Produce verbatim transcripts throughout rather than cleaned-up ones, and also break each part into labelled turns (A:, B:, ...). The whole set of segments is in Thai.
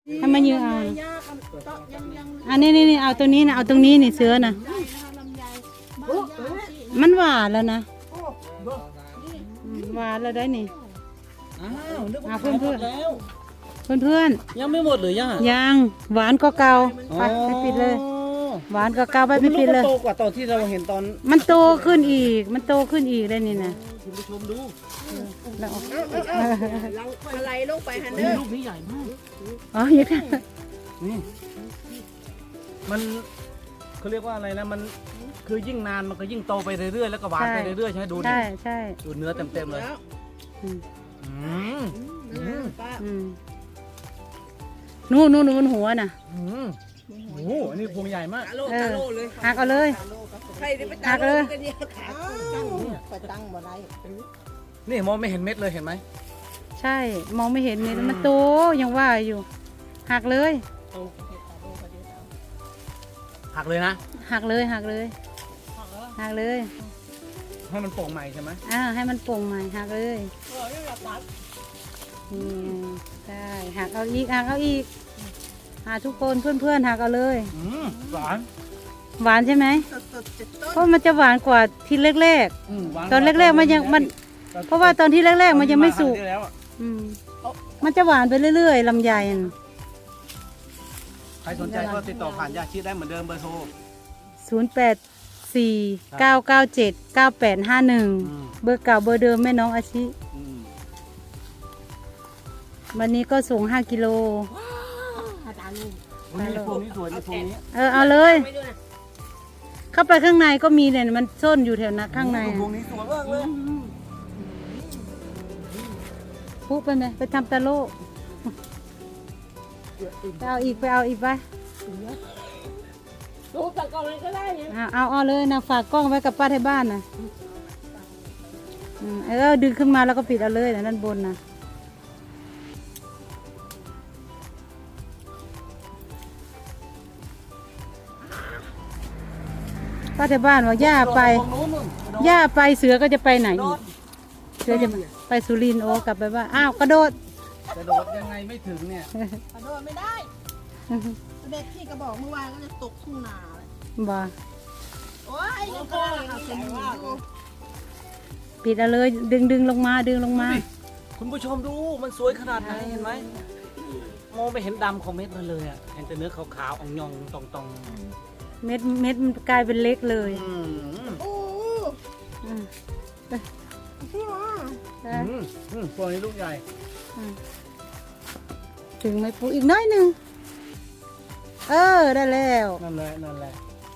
A: ให้มายืนเอาอันนี้นี่นี่เอาตรงนี้นะเอาตรงนี้นี่เสือนะมันหวานแล้วนะหวานแล้วได้นี่
B: อ้าวนึกว่า
A: เพื่อนเพื่อน
B: แล้ว
A: เพื่อนเพื่อน
B: ยังไม่หมดหรือย่า
A: ยังหวานก็เก่าไปไปปิดเลย หวานก็เก่าไปไปปิดเลย
B: โตกว่าตอนที่เราเห็นตอน
A: มันโตขึ้นอีก มันโตขึ้นอีกได้นี่นะ
B: คุณผู้ชมดู
A: แล้ว
C: อะไรลงไปฮันเดอร์
B: ลูกนี้ใหญ่มาก
A: อ๋อยังไง
B: นี่มันเขาเรียกว่าอะไรนะมันคือยิ่งนานมันก็ยิ่งโตไปเรื่อยๆแล้วก็หวานไปเรื่อยๆใช่ไหมดูดิ
A: ใช่ใช่
B: ดูเนื้อเต็มๆเลย
A: อืม
B: อืมอืม
A: อืมนู่นนู่นนู่นหัวน่ะ
B: อืมโอ้โหอันนี้พวงใหญ่มาก
C: ตาโล
A: เอ
C: ตา
A: อ
C: โลเลย
A: หักเอาเลย
C: ใครได้ไปตาโลกันเนี่ยขาตั้งไปตั้งบ่ได้
B: นี่มองไม่เห็นเม็ดเลยเห็นไหม
A: ใช่มองไม่เห็นนี่มันโตยังว่าอยู่หักเลย
B: หักเลยนะ
A: หักเลยหักเลยหักเลย
B: ให้มันโป่งใหม่ใช่ไหม
A: อ่าให้มันโป่งใหม่หักเลย
C: เออนี่เราตัด
A: นี่ได้หักเอาอีกหักเอาอีกหาทุกคนเพื่อนๆหักเอาเลย
B: อืมหวาน
A: หวานใช่ไหม
C: สดสดเจ็ดต้น
A: เพราะมันจะหวานกว่าที่แรก
B: อืมหวาน
A: ๆตอนแรกๆมันยังมัน เพราะว่าตอนที่แรกๆมันยังไม่สุก
B: ตอนที่าครั้งที่แล้วอะ
A: อืมมันจะหวานไปเรื่อยๆลำไยน่ะ
B: ใครสนใจก็ติดต่อผ่านยาชีได้เหมือนเดิมเบอร์โทร
A: ศูนย์แปดสี่เก้าเก้าเจ็ดเก้าแปดห้าหนึ่ง
B: อืม
A: เบอร์เก่าเบอร์เดิมแม่น้องอาชิ
B: อืม
A: วันนี้ก็ส่งห้ากิโล
C: อาจารย์นี่
B: วันนี้พวงนี้สวยในพวงนี้
A: เออเอาเลย
C: ไม่ดูนะ
A: เข้าไปข้างในก็มีเนี่ยมันซ่อนอยู่แถวนั้นข้างใน
B: พวงนี้สวยมากเลย
A: ปุ๊บไปไหมไปทำตะโลไปเอาอีกไปเอาอีกไป
C: ดูตะกอนเลยก็ได้เนี่ย
A: เอาเอาเอาเลยนะฝากกล้องไว้กับป้าที่บ้านนะอืมเออดึงขึ้นมาแล้วก็ปิดเอาเลยนะด้านบนนะป้าที่บ้านว่าย่าไป
B: ตรงนู้นนู่น
A: ย่าไปเสือก็จะไปไหนอีกเสือจะไปสุรินทร์โอกลับไปบ้านอ้าวกระโดด
B: กระโดดยังไงไม่ถึงเนี่ย
C: กระโดดไม่ได้เด็กที่กระบอกเมื่อวานก็จะตกทุ่งนาเลย
A: บ่
C: โอ้ยยังกระโดดอย่างนี้ว่า
A: ปิดเอาเลยดึงดึงลงมาดึงลงมา
B: คุณผู้ชมดูมันสวยขนาดไหนเห็นไหมมองไปเห็นดำของเม็ดมันเลยอ่ะเห็นแต่เนื้อขาวๆอ่องยองตองตอง
A: เม็ดเม็ดมันกลายเป็นเล็กเลย
B: อืม
C: โอ้
A: อืม
C: พี่ว่า
A: ได้
B: อืมอืมพวงนี้ลูกใหญ่
A: อืมถึงไหมปูอีกน้อยหนึ่งเออได้แล้ว
B: นั่นแหละนั่นแหละ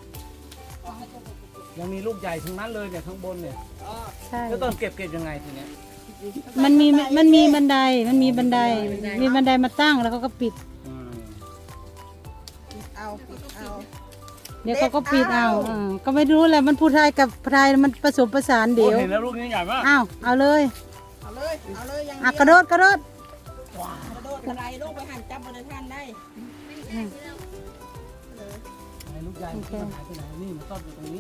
B: ยังมีลูกใหญ่ทั้งนั้นเลยเนี่ยข้างบนเนี่ย
A: ใช่
B: แล้วตอนเก็บเก็บยังไงทีเนี้ย
A: มันมีมันมีบันไดมันมีบันได มีบันไดมาตั้งแล้วเขาก็ปิด
B: อืม
C: เอาปิดเอา
A: เดี๋ยวเขาก็ปิดเอาอ่าก็ไม่รู้แหละมันพูดไทยกับไทยมันผสมผสานเดี๋ยว
B: โอ้เห็นแล้วลูกนี้ใหญ่มาก
A: อ้าวเอาเลย
C: เอาเลยเอาเลยยัง
A: อ่ะกระโดดกระโดด
C: กระโดดกระไดลงไปหันจับบนท่านได้
A: อืม
B: ไหนลูกใหญ่มันหายไปไหนนี่มันซ่อนอยู่ตรงนี้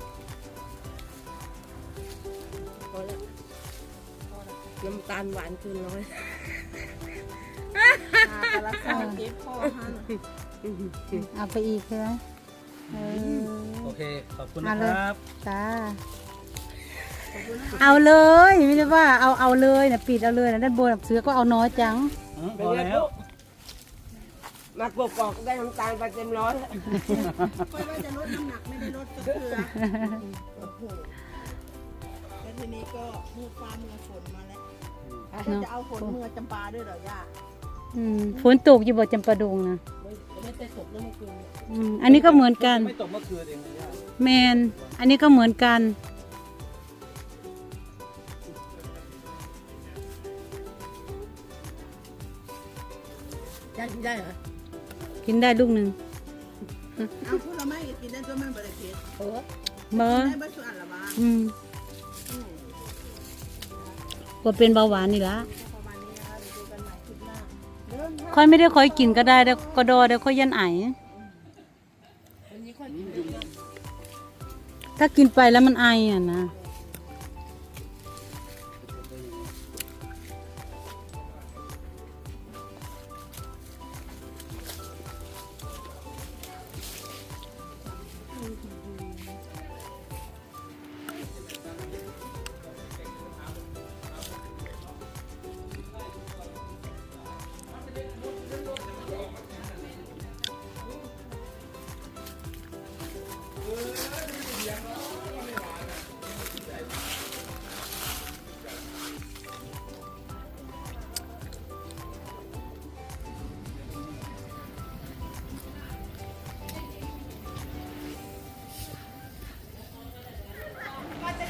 C: น้ำตาลหวานคืนน้อยกระสังเก็บพ่อฮัน
A: เอาไปอีกใช่ไหมเออ
B: โอเคขอบคุณ
A: เอา
B: นะ
A: เลย
B: ครับ
A: จ้าเอาเลยไม่ได้ว่าเอาเอาเลยนะปิดเอาเลยนะด้านบนเสือก็เอาน้อยจัง
B: อืมพอแล้ว
C: มากรอกได้น้ำตาลไปเต็มร้อยค่อยว่าจะลดน้ำหนักไม่ได้ลดก็คือแล้วทีนี้ก็มือฟ้ามือฝนมาแล้วแล้วจะเอาฝนมือจำปาด้วยเหรอย่า
A: อืมฝนตกอยู่บ่จำปาดงนะ
C: ไม่ไม่ได้ตกเมื่อคืน
A: อืมอันนี้ก็เหมือนกัน
B: ไม่ตกเมื่อคืนเองนะย่า
A: แมนอันนี้ก็เหมือนกัน
C: ย่ากินได้เหรอ
A: กินได้ลูกหนึ่ง
C: เอาพูดเราไม่กินได้ตัวมันบริเวณเออ
A: เบอร์
C: ได้บ้านส่วนละบ้าง
A: อืมก็เป็นเบาหวานนี่ละ
C: ประมาณนี้นะคะเดี๋ยวดูกันใหม่คลิปหน้าเดินทาง
A: ค่อยไม่ได้ค่อยกินก็ได้แต่ก็ดอแต่ค่อยยันไอ
C: วันนี้ค่อยกิน
A: ถ้ากินไปแล้วมันไออ่ะนะ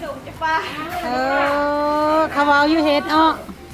C: ส่งจะป้า
A: เออเขาเอาอยู่เฮ็ดอ้อ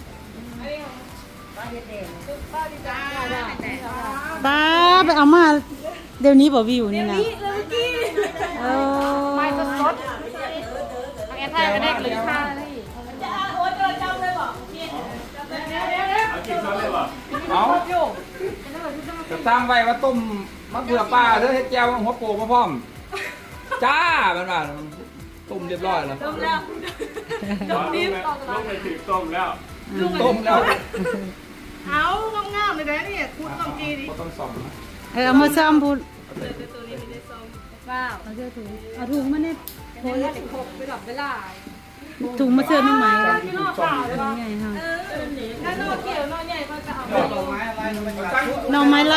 C: ป้าเด็ดๆป้าดีจ้า
A: ป้าไปเอามาเดี๋ยวนี้บ่วิวนี่นะ
C: เมื่อกี้
A: เออ
C: ไม่สดสดแอนท่าก็ได้หรือท่าเลยจะโอ้ยเจอจำเลยบอกเดี๋ยวเดี๋ยวเดี๋ยว
D: เอากินช้อนเลยบ่
E: เอาจะสร้างไว้ว่าต้มมะเขือป้าเธอเฮ็ดแจ่วหัวโปกมาพร้อม จ้ามันว่าต้มเรียบร้อยแล้ว
C: ต้มแล้ว
D: ต้มนิ้วต้มไปถึงต้มแล้ว
E: ต้มแล้ว
C: เอางามๆเลยนะเนี่ยคุณต้องจีดิ
E: ก็ต้องส่องนะ
A: เออเอามาซ่อมพูด
C: ตัวนี้ไม่ได้ส้มว้าว
A: เอาเสื้อถุงเอาถุงมาเนี่ย
C: โอ้ยเด็กหกไปหลับไปล่า
A: ถุงมาเสื้อไม่ไหม
C: ที่นอกข่าวเลย
A: ยั
C: ป่ะ
A: งไงฮะ
C: เออถ้านอกเกี่ยวนอกใหญ่ก็จะเอา
B: ดอกไม้อะไรมันเป็นการ
A: หน่อไม้ไล่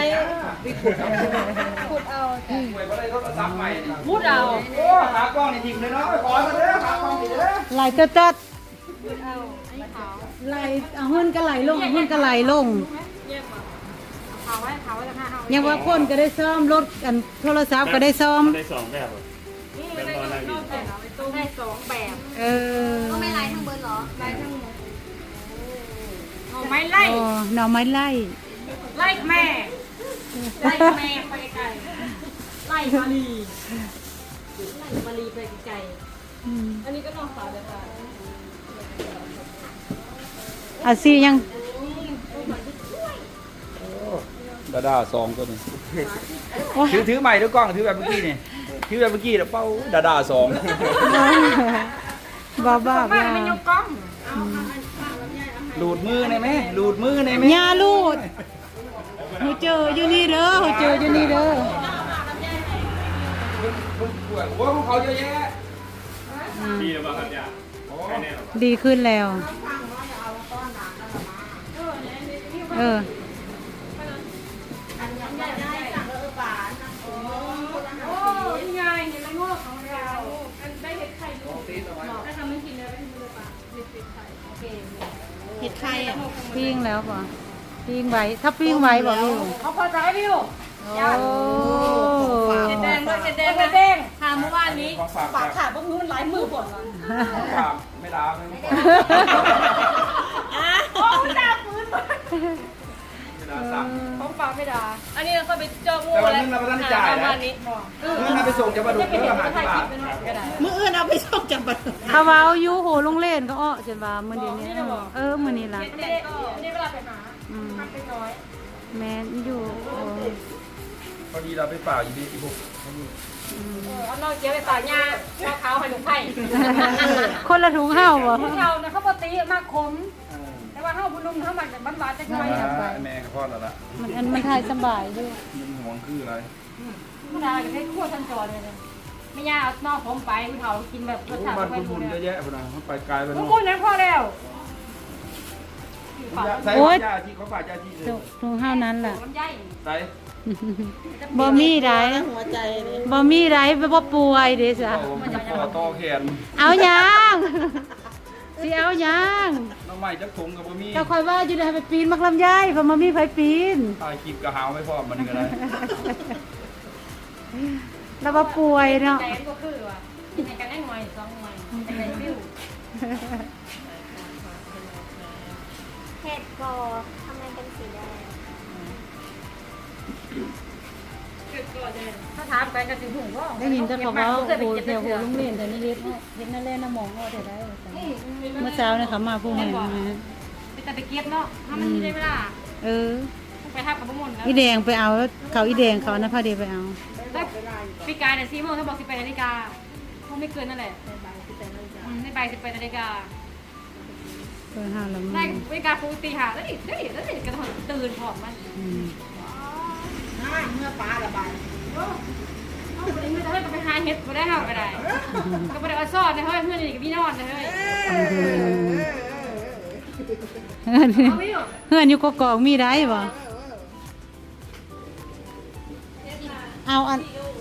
C: ขุดเอา
E: หวยบ่ได้โทรศัพท์ใหม่
C: พูดเอา
E: โอ้ขากล้องนี่ทิ้งเลยเนาะไปขอมาเด้อขากล้องนี่เด้อ
A: ไหลเตัดตัด
C: พูดเอาอันนี้ขาว
A: ไหลเอาเฮือนก็ไหลลงเอาเฮือนก็ไหลลง
C: เยี่ยมอ่ะขาวไว้ขาวไว้จะห้าเอา
A: ยังว่าคนก็ได้ซ่อมรถกันโทรศัพท์ก็ได้ซ่อม
D: ได้สองแบบอะ
C: นี่ไม่ได้นอกแต่เอาไปต้มได้สองแบบ
A: เออ
F: ก็ไม่ไล่ทั้งเบิร์ดเหรอ
C: ไล่ทั้งหมดเอาไม้ไล่
A: อ๋อหน่อไม้ไล่
C: ไล่แม่ไล่แม่ไปไกลไล่มาลีไล่มาลีไปไกล
A: อืม
C: อันนี้ก็นอกขาวเลยค่ะ
A: อาซียัง
E: ดาดาซองตัวนี้ถือถือใหม่ด้วยกล้องถือแบบเมื่อกี้นี่ถือแบบเมื่อกี้แล้วเป้าดาดาซอง
A: บ้าบ้า
C: บ้า
A: บ้าน
C: ไม่ยกกล้อง
E: หลูดมือในไหมหลูดมือในไหม
A: ยาลูดหูเจออยู่นี่เด้อหูเจออยู่นี่เด้อ
E: คนป่วยโอ้ของเขาเยอะแยะ
D: ดีหรือเปล่าครับย่าใช่แน่หรอ
A: ดีขึ้นแล้ว เออ
C: โอ้ยไงเห็นแล้วงอกของเราอันได้เห็ดไข่ลูกถ้าทำไม่กินแล้วไม่กินเลยป่ะเห็ดเป็ดไข่โอเค
F: เห็ดไข่อ่ะ
A: ปิ้งแล้วป่ะปิ้งไว้ถ้าปิ้งไว้บ่วิว
C: เขาพอใจพี่ลูก
A: โอ้
C: เห็ดแดงด้วยเห็ดแดงเห็ดแดงทานเมื่อวานนี้
E: ของฝาก
C: ปากขาดพวกนู้นหลายมือผลละ
E: ของฝากไม่ลาไม่ต้อง
C: โอ้ยดาฟื้น
E: ไม่ลาสั่ง
C: ของฝากไม่ด่าอันนี้เราก็ไปเจองู
E: แต่วัน
C: แล้ว
E: นี้เราไม่ต้องจ่ายนะ
C: นี้
E: เมื่อนาไปส่งจะมาดู
C: จะไป
E: เรื่
C: เห็
E: อน งอาหาร
C: ถ่าย
E: ต
C: คลิ
E: ลา
C: ป
E: ด
C: ไปหน่อยก็ได้
F: มืออื่นเอาไปชอบจับบัตร
A: เขาเว้าอยู่โหลงเล่นก็อ้อจนว่ามื้อเดียวนี้เออมื้อนี้ล่ะ
C: อันนี้อันนี้เวลาไปหา
A: อืม
C: ทำไปน้อย
A: แม่นอยู่โอ้
E: พอดีเราไปเปล่าอยู่ดีอีกพวก
C: เออเอานอกเจียวไปฝากยาเอาขาวให้ลูกไผ่
A: คนละถุงเฮาบ่
C: พวกเราเนี่ยเขาปกติมากขมแต่ว่าเฮาบุญนุ่มเขามาจากบ้านหวานจะช่วย
E: แม่กับพ่อแล้วล่ะ
A: มันอันมันทายสบายอยู่
E: มันห่วงคืออะไร
C: ผู้ดาจะให้คั่วทันจอเลยไม่ยาเอานอกผมไปผู้เฒ่ากินแบบรสชาติ
E: บ้าน
C: ไม่
E: คุณ
C: รู้
E: บุญ
C: เลย
E: เยอะแยะพนันเขาไปไกลไป
C: พว
E: โน่
C: ก
E: น
C: คุณนั้นพอแล้ว
E: ใส่ของยาที่เขาฝากยาที่เลย
A: ถุงเฮานั้นล่ะ
C: มันใหญ่
E: ใส่
A: บ่มีได
F: หัวใจเลย
A: บ่มีไดบ่ป่วยเด้จ้ะ
E: มันจะต่อต่อแขน
A: เอาหยังสิเอาหยัง
E: น้องใหม่จักถุงกับบะมี่
A: ก็ค่อยว่าอยู่ได้ไปปีนมักลำไยเพราะบ่มีไผปีน
E: ถ่ายคลิปกระหาวไม่พอมันก็ได้
A: แล้วบ่ป่วยเนาะ
C: แต่ก็คือว่ากินในกันได้หน่วยสองหน่วยแต่ในฟิว
F: เห็ดกอทำไมเป็นสีแดง
C: ถ้าถามไปก็สิหูว่า
A: ได้ยินแต่เขาว่า
C: เคยไป
A: โอ้
C: เก็บ
A: แถว
C: เถื่
A: โห
C: อ
A: โรงเรียนแต่นี่เฮ็ดเฮ็ดนั่นแหละน้ำหมองเอาได้ได้ว่าซั่นเมื่อเช้าเนี่ยเขามาผู้แม่มา
C: ไปแต่ไปเก็บเนาะถ้ามันมีได้เวลา
A: เออ
C: ไปทับกับพวกมันแล้ว
A: อีแดงไปเอาเขาอีแดงเขานะพาเดียไปเอา
C: ปีกายเนี่ยสี่โมงถ้าบอกสิบแปดนาฬิกาคงไม่เกินนั่นแหละในใบสิบแปดนาฬิกา
A: เพื่อห้าละ
C: ได้
A: มื้อ
C: นาฬิกาปกติค่ะแล้วดิแล้วดิแล้วดิกระโดดตื่นพร้อมมัน
A: อืม
F: เมื่อป้าระบาย
C: เอาไปไม่ได้ก็ไปหาเห็ดไปได้เฮาก็ได้ก็ไปได้เอาซ่อนนะเฮ้ยเพื่อนนี่ก็มีนอนนะเฮ้ย
A: เฮือน
C: เอาไม่อยู่
A: เฮือนอยู่กกอกมีได้บ่เอาอัน